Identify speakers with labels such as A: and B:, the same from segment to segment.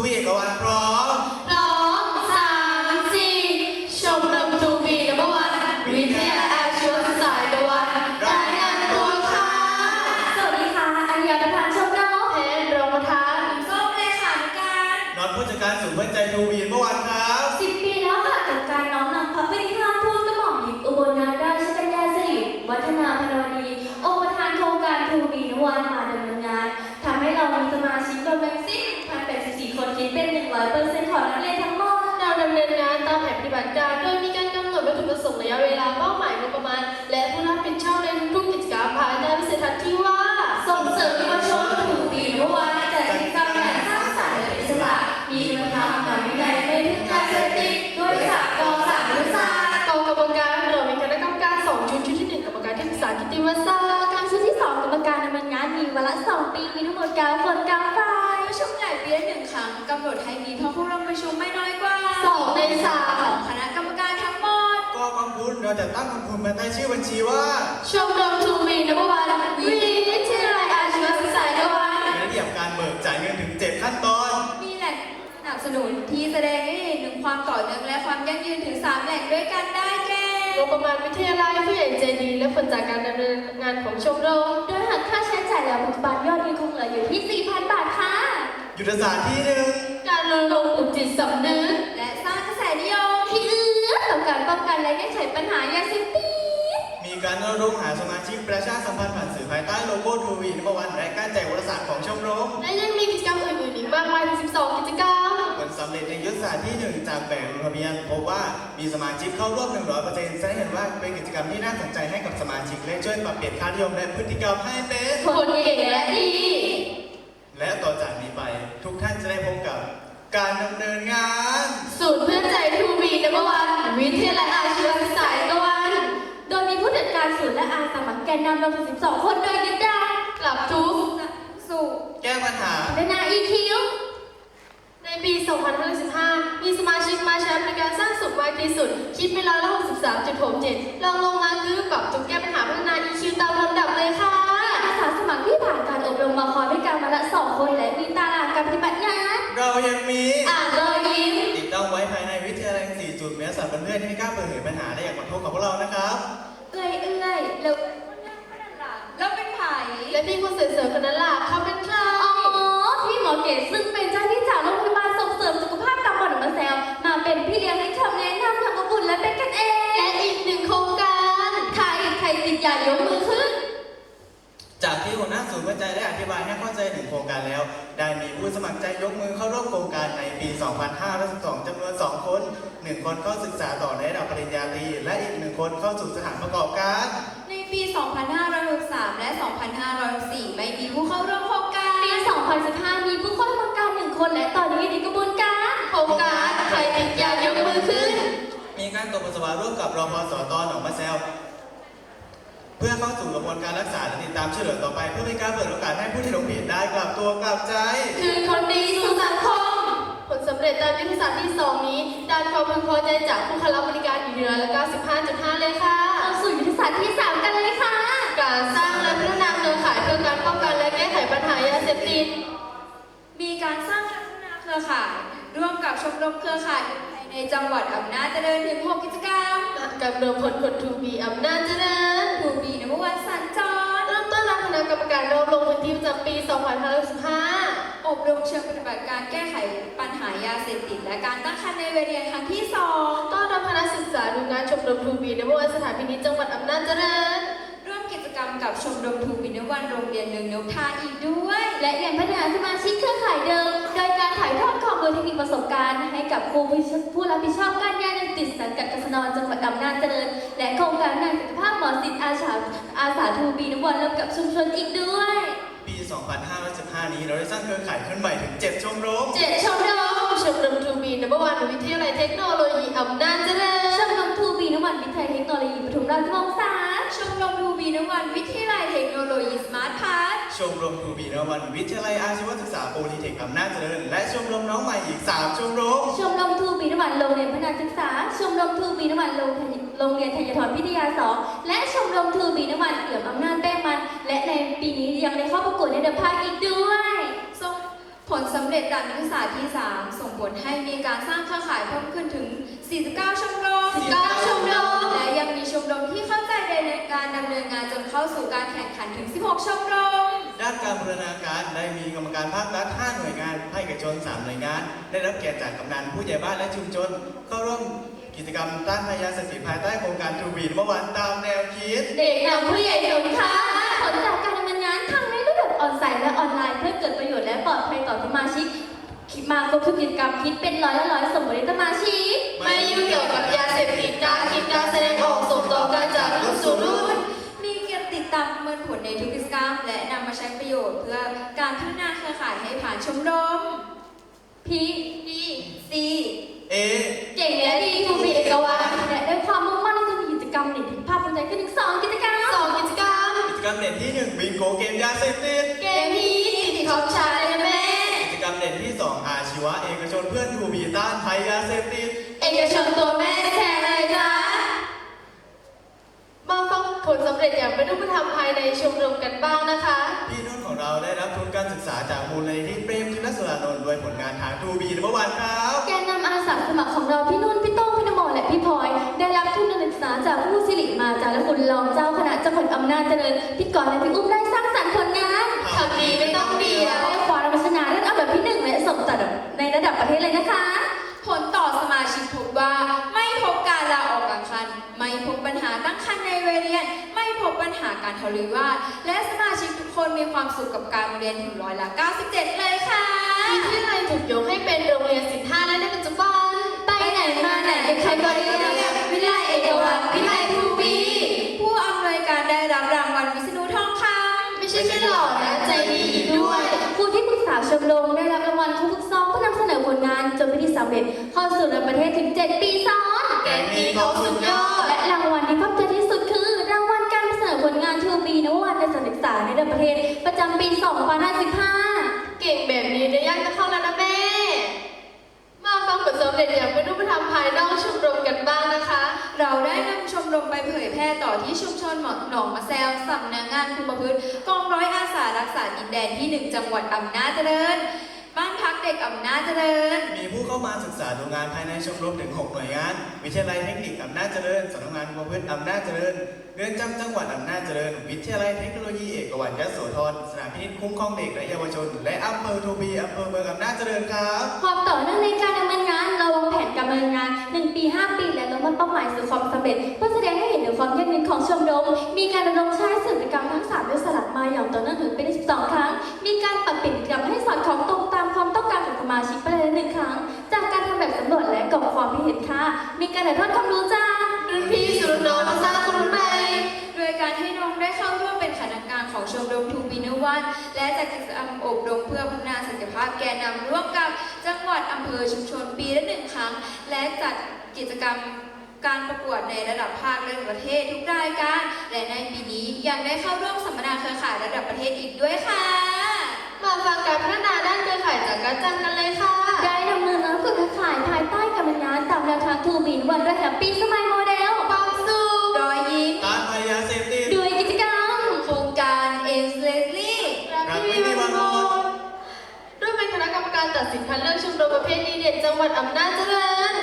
A: วีกับวันพร้อม
B: 2 3 4ชมรมทูบีนัมเบอร์วันวิทยาอาชีวศึกษาตะวันรายงานตัวค่ะสวัสดีค่ะอัญญาประธานชมรมเพชรรองประธานส้มเลขาธิการ
A: น็อตผู้จัดการศูนย์เพื่อใจทูบีเมื่อวันครับ
B: 10 ปีแล้วค่ะกับการน้อมนำพระปฏิภาณทูตกระหม่อมหญิงอุบลนาถราชกัญญาสิริวัฒนาพนวดีองค์ประธานโครงการทูบีนวันมาดำเนินงานทำให้เรามีสมาชิกรวมทั้งสิ้น1,084 คนคิดเป็น 100% ของนักเรียนทั้งหมดเราดำเนินงานตามแผนปฏิบัติการโดยมีการกำหนดวัตถุประสงค์ระยะเวลาเป้าหมายงบประมาณและผู้รับผิดชอบในทุกกิจกรรมภายใต้วิสัยทัศน์ที่ว่าส่งเสริมเยาวชนทูบีนวันจัดกิจกรรมอย่างสร้างสรรค์และอิสระมีคุณธรรมนำวินัยไม่พึ่งยาเสพติดด้วยศักดิ์กองสามยุทธศาสตร์กองกรรมการเรามีคณะกรรมการ2 ชุดที่1กรรมการที่ปรึกษากิตติมศักดิ์กรรมการชุดที่2กรรมการดำเนินงานมีวาระ2 ปีมีทั้งหมด9 คน9 ฝ่าย
C: ประชุมใหญ่ปีละ1 ครั้งกำหนดให้มีผู้ร่วมประชุมไม่น้อยกว่า
B: 2 ใน 3
C: ของคณะกรรมการทั้งหมด
A: ก็กองทุนเราจะตั้งกองทุนมาใต้ชื่อบัญชีว่า
B: ชมรมทูบีนัมเบอร์วันวิทยาลัยอาชีวศึกษาตะวัน
A: มีระเบียบการเบิกจ่ายเงินถึง7ขั้นตอน
C: มีแหล่งสนับสนุนที่แสดงให้เห็นถึงความต่อเนื่องและความยั่งยืนถึง3 แหล่งด้วยกันได้แก่
B: งบประมาณวิทยาลัยผู้ใหญ่ใจดีและผลจากการดำเนินงานของชมรมโดยหักค่าใช้จ่ายแล้วปัจจุบันยอดยังคงเหลืออยู่ที่ 4,000 บาทค่ะ
A: ยุทธศาสตร์ที่1
B: การรณรงค์ปลุกจิตสำนึก
C: และสร้างกระแสนิยม
B: ที่เอื้อต่อการป้องกันและแก้ไขปัญหายาเสพติด
A: มีการรณรงค์หาสมาชิกประชาสัมพันธ์ผ่านสื่อภายใต้โลโก้ทูบีนัมเบอร์วันและการแจกวารสารของชมรม
B: และยังมีกิจกรรมอื่นๆอีกมากมายถึง12 กิจกรรม
A: ผลสำเร็จในยุทธศาสตร์ที่1จากแบบลงทะเบียนพบว่ามีสมาชิกเข้าร่วม 100% แสดงเห็นว่าเป็นกิจกรรมที่น่าสนใจให้กับสมาชิกและช่วยปรับเปลี่ยนค่านิยมและพฤติกรรมให้เป็น
B: คนเก่งและดี
A: และต่อจากนี้ไปทุกท่านจะได้พบกับการดำเนินงาน
B: ศูนย์เพื่อใจทูบีนัมเบอร์วันวิทยาลัยอาชีวศึกษาตะวันโดยมีผู้จัดการศูนย์และอาสาสมัครแกนนำรวมถึง12 คนโดยยึดได้กลับทุก
C: สู่
A: แก้ปัญหา
B: และนา EQ ในปี 2515 มีสมาชิกมาใช้บริการสร้างสุขมากที่สุดคิดเป็น63.67รองลงมาคือปรับจุดแก้ปัญหาพัฒนา EQ ตามลำดับเลยค่ะอาสาสมัครที่ผ่านการอบรมมาคอยด้วยกันมาละ2 คนและมีตารางการปฏิบัติงาน
A: เรายังมี
B: รอยยิ้ม
A: ติดตั้งไว้ภายในวิทยาลัย4 จุดเพื่อสั่งเพื่อนๆให้กล้าเปิดเผยปัญหาและอยากมาพบกับพวกเรานะครับ
C: แล้วเป็นไผ่
B: และพี่คนสวยๆคนนั้นล่ะเขาเป็นใครพี่หมอเก๋ซึ่งเป็นเจ้าที่จากโรงพยาบาลส่งเสริมสุขภาพตำบลหนองมะแซวมาเป็นพี่เลี้ยงให้คำแนะนำอย่างอบอุ่นและเป็นกันเองและอีก1 โครงการใครติดอย่ายกมือขึ้น
A: จากที่หัวหน้าศูนย์วิจัยได้อธิบายให้เข้าใจถึงโครงการแล้วได้มีผู้สมัครใจยกมือเข้าร่วมโครงการในปี 2512 จำนวน 2 คน 1 คนเข้าศึกษาต่อในระดับปริญญาตรีและอีก1 คนเข้าสู่สถานประกอบการ
C: ในปี 2563 และ 2564 ไม่มีผู้เข้าร่วมโครงการ
B: ปี 2015 มีผู้เข้าร่วมโครงการ1 คนและตอนนี้อยู่ในกระบวนการโครงการใครติดอย่ายกมือขึ้น
A: มีการตรวจปัสสาวะร่วมกับรพสต.หนองมะแซวเพื่อเข้าสู่กระบวนการรักษาและติดตามช่วยเหลือต่อไปเพื่อเป็นการเปิดโอกาสให้ผู้ที่หลงผิดได้กลับตัวกลับใจ
B: คือคนดีสู่สังคมผลสำเร็จตามยุทธศาสตร์ที่ 2 นี้ด้านความพึงพอใจจากผู้เข้ารับบริการอยู่ที่95.5 เลยค่ะเข้าสู่ยุทธศาสตร์ที่ 3 กันเลยค่ะการสร้างและพัฒนาเครือข่ายเพื่อการป้องกันและแก้ไขปัญหายาเสพติด
C: มีการสร้างและพัฒนาเครือข่ายร่วมกับชมรมเครือข่ายในจังหวัดอำนาจเจริญถึง6 กิจกรรม
B: กับรวมผลคนทูบีอำนาจเจริญ
C: ทูบีนัมเบอร์วันสัญจร
B: เริ่มต้นรับคณะกรรมการรวมลงพื้นที่ประจำปี 2565
C: อบรมเชิงปฏิบัติการแก้ไขปัญหายาเสพติดและการตั้งครรภ์ในวัยเรียนครั้งที่2
B: ต้อนรับคณะศึกษาดูงานชมรมทูบีนัมเบอร์วันสถานพินิจจังหวัดอำนาจเจริญ
C: ร่วมกิจกรรมกับชมรมทูบีนัมเบอร์วันโรงเรียนนกทาอีกด้วย
B: และยังพัฒนาสมาชิกเครือข่ายเดิมโดยการถ่ายทอดข้อมูลเทคนิคประสบการณ์ให้กับครูผู้รับผิดชอบการยาเสพติดสังกัดกศน.จังหวัดอำนาจเจริญและโครงการงานสุขภาพหมอศิษย์อาสาทูบีนัมเบอร์วันร่วมกับชุมชนอีกด้วย
A: ปี 2515 นี้เราได้สร้างเครือข่ายขึ้นใหม่ถึง7 ชมรม
B: 7 ชมรมทูบีนัมเบอร์วันวิทยาลัยเทคโนโลยีอำนาจเจริญชมรมทูบีนัมเบอร์วันวิทยาลัยเทคโนโลยีปทุมราชวงศ์
C: ชมรมทูบีนัมเบอร์วันวิทยาลัยเทคโนโลยีสมาร์ทพาร์ท
A: ชมรมทูบีนัมเบอร์วันวิทยาลัยอาชีวศึกษาโพลีเทคอำนาจเจริญและชมรมน้องใหม่อีก3 ชมรม
B: ทูบีนัมเบอร์วันโรงเรียนพัฒนาศึกษาชมรมทูบีนัมเบอร์วันโรงเรียนธัญทรพิทยา2และชมรมทูบีนัมเบอร์วันเอี่ยมอำนาจแป้งมันและในปีนี้ยังได้เข้าประกวดในเดอะพาร์คอีกด้วย
C: ส่งผผลสำเร็จการนักศึกษาที่ 3 ส่งผลให้มีการสร้างเครือข่ายเพิ่มขึ้นถึง 49 ชมรม
B: 49 ชมรม
C: และยังมีชมรมที่เข้าใจในการดำเนินงานจนเข้าสู่การแข่งขันถึง 16 ชมรม
A: ด้านการบูรณาการได้มีกรรมการภาครัฐ 5 หน่วยงานภาคเอกชน 3 หน่วยงาน ได้รับเกียรติจากกำนันผู้ใหญ่บ้านและชุมชน เข้าร่วมกิจกรรมต้านพยาเสพติดภายใต้โครงการทูบีเมื่อวานตามแนวคิด
B: เด็กนำผู้ใหญ่หนุนค่ะผลจากการดำเนินงานทั้งในระบบออนไลน์และออนไลน์เพื่อเกิดประโยชน์และปลอดภัยต่อสมาชิกมาครบทุกกิจกรรมคิดเป็น100%สมบูรณ์สมาชิก
D: ไม่ยุ่งเกี่ยวกับยาเสพติดการคิดการแสดงออกส่งต่อกันจากรุ่นสู่รุ่น
C: มีเกณฑ์ติดตามประเมินผลในทุกกิจกรรม และนำมาใช้ประโยชน์เพื่อการพัฒนาเครือข่ายให้ผ่านชมรม
B: พี
C: D C
A: เอ
B: เก่งและดีทูบีเอกวานและด้วยความมุ่งมั่นที่จะมีกิจกรรมเด่นที่ภาพภูมิใจขึ้นถึง2 กิจกรรม
D: 2 กิจกรรม
A: กิจกรรมเด่นที่ 1 บิงโกเกมยาเสพติด
D: เกมนี้ติดท็อปชาร์ตเลยนะแม่
A: กิจกรรมเด่นที่ 2 อาชีวะเอกชนเพื่อนทูบีต้านภัยยาเสพติด
D: เอกชนตัวแม่แชร์เลยจ้ามาฟังผลสำเร็จอย่างเป็นรูปธรรมภายในชมรมกันบ้างนะคะ
A: พี่นุ่นของเราได้รับทุนการศึกษาจากมูลนิธิเปรมจินสุรานนท์ด้วยผลงานทางทูบีเมื่อวานครับ
B: แกนนำอาสาสมัครของเราพี่นุ่นพี่โต้งพี่นโมและพี่พลอยได้รับทุนการศึกษาจากผู้สิริมาจารคุณรองเจ้าคณะจังหวัดอำนาจเจริญพี่กรณ์และพี่อุ้มได้สร้างสรรค์ผลงาน
D: ทำดีไม่ต้องเดียว
B: ได้คว้ารางวัลชนะเลิศอันดับที่ 1 และส่งต่อในระดับประเทศเลยนะคะ
C: ผลต่อสมาชิกพบว่าไม่พบการลาออกกลางคัน ไม่พบปัญหาตั้งครรภ์ในวัยเรียน ไม่พบปัญหาการทะเลาะวิวาทและสมาชิกทุกคนมีความสุขกับการเรียนถึง97%เลยค่ะ
D: วิทยาลัยถูกยกให้เป็นโรงเรียนศิลป์5และในปัจจุบัน
B: ไปไหนมาไหนใครก็เรียกวิไลเอกวัตวิไลทูบี
C: ผู้อำนวยการได้รับรางวัลวิษณุทองคำ
D: ไม่ใช่แค่หล่อนะใจดีอีกด้วย
B: ครูที่ปรึกษาชมรมได้รับรางวัลครูฝึกซ้อมผู้นำเสนอผลงานจนเป็นที่สำเร็จเข้าสู่ระดับประเทศถึง 7 ปีซ้อน
A: แกงนี้เขาสุดยอด
B: และรางวัลที่ภาคใจที่สุดคือ รางวัลการเสนอผลงานทูบีนวัตในการศึกษาในระดับประเทศประจำปี 2055
D: เก่งแบบนี้ได้ยากจะเข้าแล้วนะแม่ มาฟังผลสำเร็จอย่างเป็นรูปธรรมภายนอกชมรมกันบ้างนะคะ
C: เราได้นำชมรมไปเผยแพร่ต่อที่ชุมชนหนองมะแซวสำนักงานคุมประพฤติกองร้อยอาสารักษาดินแดนที่ 1 จังหวัดอำนาจเจริญ บ้านพักเด็กอำนาจเจริญ
A: มีผู้เข้ามาศึกษาดูงานภายในชมรมถึง 6 หน่วยงาน วิทยาลัยเทคนิคอำนาจเจริญสำนักงานคุมประพฤติอำนาจเจริญ เรือนจำจังหวัดอำนาจเจริญ วิทยาลัยเทคโนโลยีเอกวัตยโสธร สถานพินิจคุ้มครองเด็กและเยาวชน และอำเภอทูบีอำเภอเมืองอำนาจเจริญครับ
B: ความต่อเนื่องในการดำเนินงานเราวางแผนการดำเนินงาน 1 ปี 5 ปีและลงมาเป้าหมายสู่ความสำเร็จเพื่อแสดงให้เห็นถึงความยั่งยืนของชมรมมีการดำรงใช้สื่อกิจกรรมทั้ง3ด้วยสลับมาอย่างต่อเนื่องถึงเป็น12 ครั้ง มีการปรับเปลี่ยนกิจกรรมให้สอดคล้องตรงตามความต้องการของสมาชิกไปเลย1 ครั้ง จากการทำแบบสำรวจและกรอบความคิดเห็นค่ะมีการถ่ายทอดความรู้จ้า
D: รุ่นพี่สู่รุ่นน้องมาสร้างคนรุ่นใหม่
C: โดยการให้น้องได้เข้าร่วมเป็นคณะกรรมการของชมรมทูบีนวันและจัดกิจกรรมอบรมเพื่อพัฒนาศักยภาพแกนนำร่วมกับจังหวัดอำเภอชุมชนปีละ 1 ครั้ง และจัดกิจกรรมการประกวดในระดับภาคและประเทศทุกรายการ และในปีนี้ยังได้เข้าร่วมสัมมนาเครือข่ายระดับประเทศอีกด้วยค่ะ
D: มาฟังการพัฒนาด้านเครือข่ายจากการจังกันเลยค่ะ
B: ได้ดำเนินงานกับเครือข่ายภายใต้การดำเนินงานตามแนวทางทูบีนวันด้วยแฮปปี้สมัยโมเดล
D: ความสุข
C: รอยยิ้ม
A: ต้านภัยยาเสพติด
B: ด้วยกิจกรรม
C: โครงการเอสเลสลี่
D: รักพี่มีวันโมร่วมเป็นคณะกรรมการตัดสินคัดเลือกชมรมประเภทดีเด่นจังหวัดอำนาจเจริญ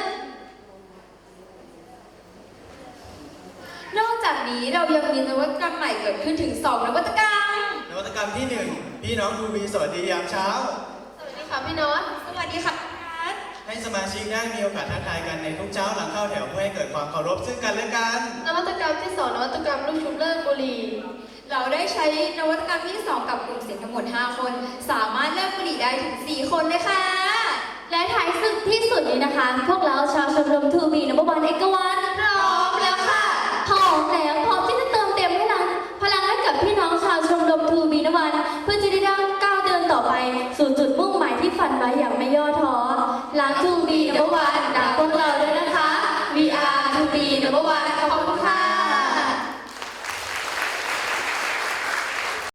C: นอกจากนี้เรายังมีนวัตกรรมใหม่เกิดขึ้นถึง 2 นวัตกรรม
A: นวัตกรรมที่ 1 พี่น้องทูบีสวัสดียามเช้า
D: สวัสดีค่ะพี่น็อต
C: สวัสดีค่ะนัท
A: ให้สมาชิกได้มีโอกาสทักทายกันในทุกเช้าหลังเข้าแถวเพื่อให้เกิดความเคารพซึ่งกันและกัน
D: นวัตกรรมที่ 2 นวัตกรรมลูกชุบเลิกบุหรี่
C: เราได้ใช้นวัตกรรมที่ 2 กับกลุ่มเสียงทั้งหมด 5 คน สามารถเลิกบุหรี่ได้ถึง 4 คนเลยค่ะ
B: และท้ายสุดที่สุดนี้นะคะ พวกเราชาวชมรมทูบีนบวันเอกวัน
D: พร้อมแล้วค่ะ
B: พร้อมแล้วพร้อมที่จะเติมเต็มพลังให้กับพี่น้องชาวชมรมทูบีนวันเพื่อจะได้ก้าวเดินต่อไป สู่จุดมุ่งหมายที่ฝันไว้อย่างไม่ย่อท้อรักทูบีนบวันรักพวกเราด้วย